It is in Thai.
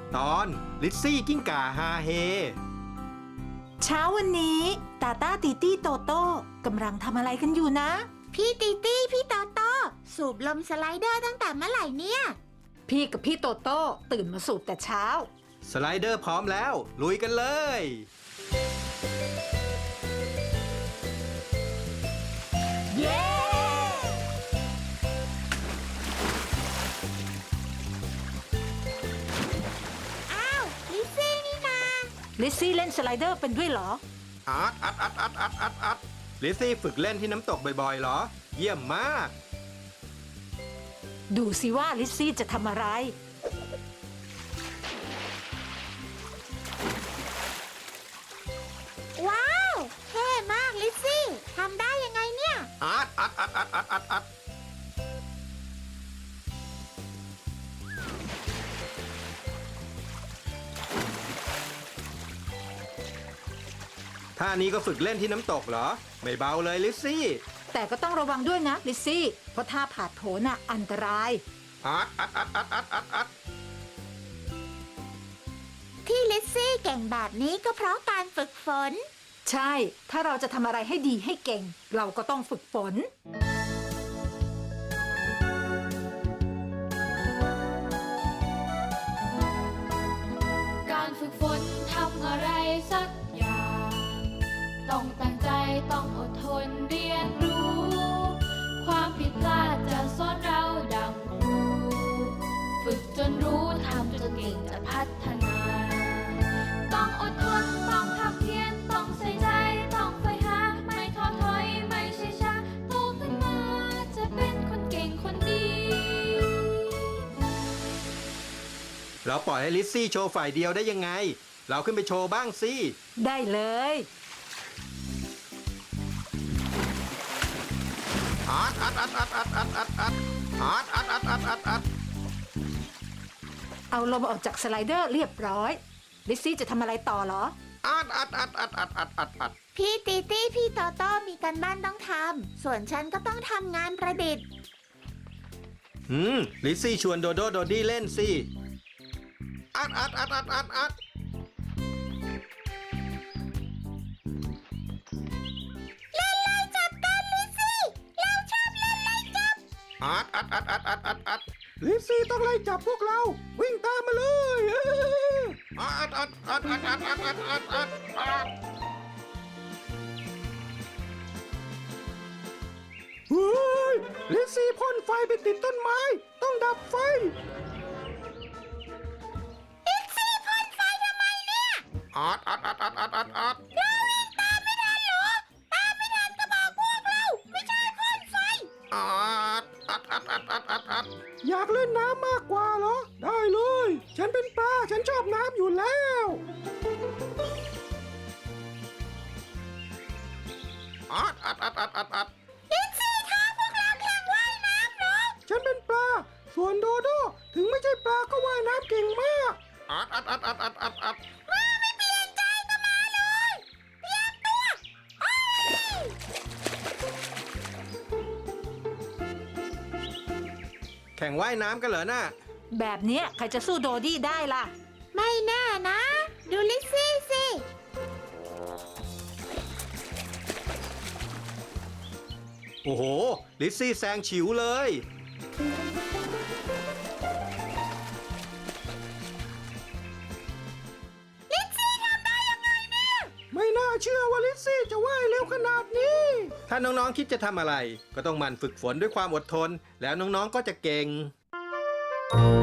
ตอนลิซซี่กิ้งก่าฮาเฮเช้าวันนี้ตาต้าตีตี้โตโต้กำลังทำอะไรกันอยู่นะพี่ตีตี้พี่โตโต้สูบลมสไลเดอร์ตั้งแต่เมื่อไหร่เนี่ยพี่กับพี่โตโต้ตื่นมาสูบแต่เช้าสไลเดอร์พร้อมแล้วลุยกันเลยเย้อ้าวลิซซี่นี่นาลิซซี่เล่นสไลเดอร์เป็นด้วยเหรออัดลิซซี่ฝึกเล่นที่น้ำตกบ่อยๆเหรอเยี่ยมมากดูสิว่าลิซซี่จะทำอะไรว้าวเท่มากลิซซี่ทำได้ยังไงเนี่ยอัดท่านี้ก็ฝึกเล่นที่น้ำตกเหรอไม่เบาเลยลิซซี่แต่ก็ต้องระวังด้วยนะลิซซี่เพราะถ้าผาดโผนน่ะอันตรายอัดที่ลิซซี่เก่งแบบนี้ก็เพราะการฝึกฝนใช่ ถ้าเราจะทำอะไรให้ดีให้เก่ง เราก็ต้องฝึกฝนการฝึกฝนทำอะไรสักอย่างต้องตั้งใจต้องอดทนเรียนรู้ ความผิดพลาดจะสอนเราดังครูฝึกจนรู้ทำจนเก่งจะพัฒนา ต้องอดทนต้องทำเพียรต้องใส่ใจต้องใฝ่หาไม่ท้อถอยไม่ใช่ช้าโตขึ้นมาจะเป็นคนเก่งคนดีเราปล่อยให้ลิซซี่โชว์ฝ่ายเดียวได้ยังไงเราขึ้นไปโชว์บ้างสิได้เลยอัดเอาลมออกจากสไลเดอร์เรียบร้อยลิซซี่จะทำอะไรต่อเหรออัดพี่ตีตี้พี่โตโต้มีการบ้านต้องทำส่วนฉันก็ต้องทำงานประดิษฐ์ลิซซี่ชวนโดโดโดดี้เล่นสิอัดเล่นไล่จับกันลิซซี่เราชอบเล่นไล่จับอัดลิซซี่ต้องไล่จับพวกเราวิ่งตามมาเลยอัดเฮ้ยลิซซี่พ่นไฟไปติดต้นไม้ต้องดับไฟลิซซี่พ่นไฟทำไมเนี่ยอัดเราวิ่งตามไม่ทันเหรอตามไม่ทันก็บอกพวกเราไม่ใช่พ่นไฟอัดอยากเล่นน้ำมากกว่าเหรอได้เลยฉันเป็นปลาฉันชอบน้ำอยู่แล้วอัดลิซซี่ท้าพวกเราแข่งว่ายน้ำเหรอฉันเป็นปลาส่วนโดโดถึงไม่ใช่ปลาก็ว่ายน้ำเก่งมากอัดมาไม่เปลี่ยนใจก็มาเลยเตรียมตัวโอ้ยแข่งว่ายน้ำกันเหรอน่ะแบบเนี้ยใครจะสู้โดดี้ได้ล่ะไม่แน่นะ ดูลิซซี่สิโอ้โหลิซซี่แซงฉิวเลยลิซซี่ทำได้ยังไงเนี่ยไม่น่าเชื่อว่าลิซซี่จะว่ายเร็วขนาดนี้ ถ้าน้องๆคิดจะทำอะไร ก็ต้องหมั่นฝึกฝนด้วยความอดทน แล้วน้องๆก็จะเก่ง